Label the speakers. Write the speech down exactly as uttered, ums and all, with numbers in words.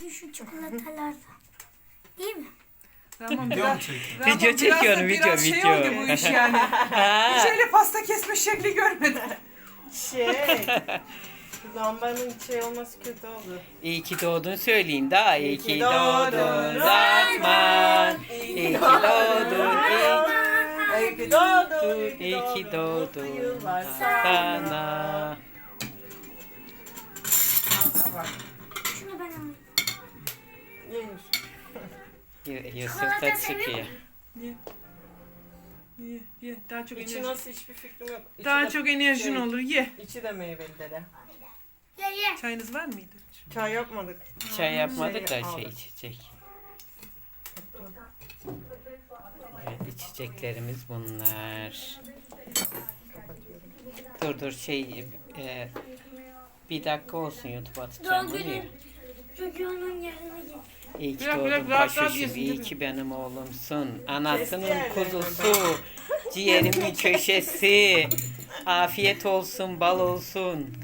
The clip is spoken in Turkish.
Speaker 1: Bir şu çikolatalardan. Değil mi?
Speaker 2: Tamam
Speaker 3: Video
Speaker 2: biraz.
Speaker 3: mu çekiyorsun?
Speaker 2: Ramon,
Speaker 4: Video
Speaker 2: biraz da-
Speaker 4: çekiyorum, video,
Speaker 2: biraz şey
Speaker 4: video.
Speaker 2: oldu bu iş yani. Hiç öyle pasta kesme şekli görmedim.
Speaker 5: Şey. Lambanın şey olması kötü oldu.
Speaker 4: İyi ki doğdun söyleyin daha. İyi ki doğdun
Speaker 5: doğdun
Speaker 4: Rahman. İyi ki doğdun.
Speaker 5: İyi ki doğdun.
Speaker 4: İyi ki doğdun
Speaker 5: Yıllar
Speaker 4: sana.
Speaker 1: Şunu ben alayım.
Speaker 5: Yenir.
Speaker 4: Y- Yusuf
Speaker 1: Çikolata
Speaker 4: da
Speaker 1: seviyor
Speaker 4: çıkıyor.
Speaker 2: Ye. Ye, ye. Daha çok
Speaker 5: İçi
Speaker 2: enerji.
Speaker 5: nasıl hiçbir fikrim yok. İçi
Speaker 2: Daha
Speaker 5: de-
Speaker 2: çok enerjin
Speaker 5: şey,
Speaker 2: olur. Ye.
Speaker 5: İçi de meyveli dede.
Speaker 1: Ye ye.
Speaker 2: Çayınız var mıydı?
Speaker 5: Çay yapmadık.
Speaker 4: Çay yapmadık da
Speaker 5: Şey
Speaker 4: şey
Speaker 5: aldık.
Speaker 4: içecek. Evet, içeceklerimiz bunlar. Dur dur şey e, bir dakika olsun YouTube atacağım
Speaker 1: Doğum
Speaker 4: bunu ya.
Speaker 1: günü çocuğunun yanına git.
Speaker 4: İyi ki
Speaker 2: Bırak, bırak,
Speaker 4: doğdun
Speaker 2: rahat rahat
Speaker 4: paşacığım,
Speaker 2: yesin,
Speaker 4: iyi
Speaker 2: değil mi?
Speaker 4: ki benim oğlumsun. Anasının
Speaker 5: yerlerini
Speaker 4: kuzusu, ciğerimin köşesi. Afiyet olsun, bal olsun.